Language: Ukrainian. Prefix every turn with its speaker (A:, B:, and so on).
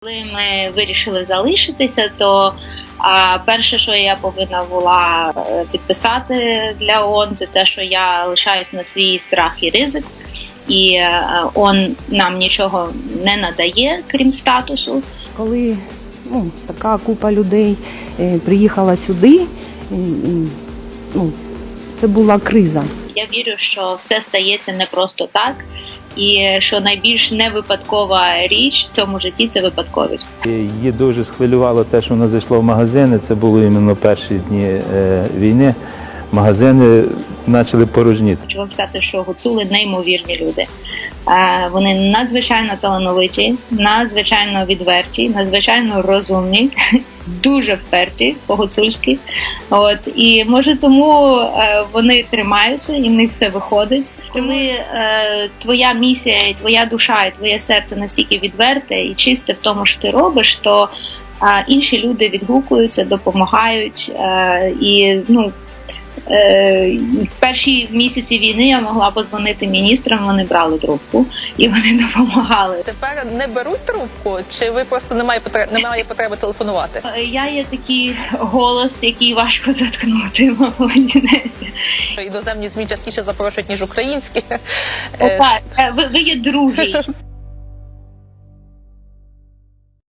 A: Коли ми вирішили залишитися, то перше, що я повинна була підписати для ООН, це те, що я лишаюсь на свій страх і ризик, і ООН нам нічого не надає, крім статусу.
B: Коли така купа людей приїхала сюди, це була криза.
A: Я вірю, що все стається не просто так, і що найбільш невипадкова річ в цьому житті – це випадковість.
C: Її дуже схвилювало те, що вона зайшла в магазини. Це було іменно перші дні війни. Магазини почали порожніти.
A: Хочу вам сказати, що гуцули неймовірні люди. Вони надзвичайно талановиті, надзвичайно відверті, надзвичайно розумні, дуже вперті по-гуцульськи. І може тому вони тримаються і в них все виходить. Коли твоя місія, і твоя душа, і твоє серце настільки відверте і чисте в тому, що ти робиш, то інші люди відгукуються, допомагають. В перші місяці війни я могла подзвонити міністрам, вони брали трубку і вони допомагали.
D: Тепер не беруть трубку, чи ви просто немає потреби телефонувати?
A: Я є такий голос, який важко заткнути, мабуть.
D: Іноземні ЗМІ частіше запрошують, ніж українські.
A: Так, ви є другий.